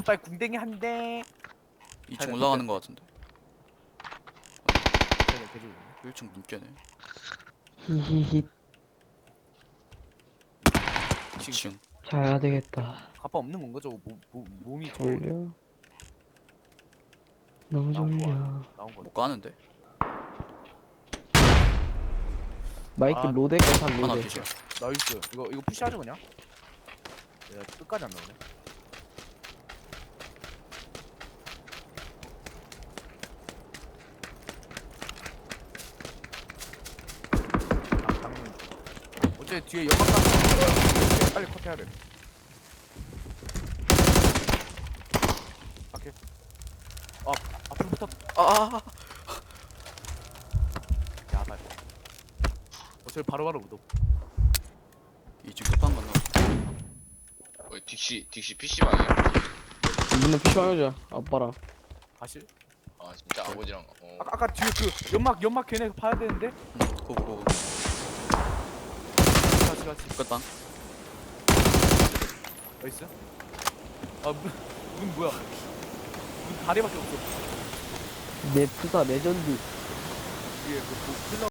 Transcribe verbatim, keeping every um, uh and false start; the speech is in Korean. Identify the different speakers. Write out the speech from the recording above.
Speaker 1: 빨리 궁뎅이 한대.
Speaker 2: 이 층 올라가는 거 같은데.
Speaker 1: 쟤네 개죽.
Speaker 2: 일 층 문 깨네.
Speaker 3: 히히히.
Speaker 2: 이 층.
Speaker 3: 자야 되겠다.
Speaker 1: 가빠 없는 건가 저거 몸, 몸, 몸이 저거
Speaker 3: 졸려. 너무
Speaker 1: 나온 거
Speaker 3: 졸려.
Speaker 1: 아니야? 나온 거.
Speaker 2: 못 가는데.
Speaker 3: 마이크
Speaker 1: 아,
Speaker 3: 로데가 산
Speaker 2: 하나
Speaker 3: 로데.
Speaker 2: 기절.
Speaker 1: 나이스. 이거 이거 푸시하죠 그냥. 야 끝까지 안 나오네. 아, 당근. 어째 뒤에 연막 가 빨리 컷해야 돼. 오케이. 아 앞으로 붙어.
Speaker 2: 아, 아, 아.
Speaker 1: 야 빨리. 어차피 바로바로 묻어.
Speaker 2: 이 층 끝방 갔나?
Speaker 4: 어, 딕시 딕시 피씨방이야.
Speaker 3: 이번에 피셔야죠. 아빠랑.
Speaker 1: 가실?
Speaker 4: 아 진짜 아버지랑. 어.
Speaker 1: 아까 아까 뒤에 그 연막 연막 걔네 파야 되는데.
Speaker 2: 응, 고고 고고.
Speaker 1: 같이 같이.
Speaker 2: 끝방.
Speaker 1: 나이스. 아문 문 뭐야? 문 다리밖에 없어.
Speaker 3: 내 푸사 레전드.
Speaker 1: 위에 그 필러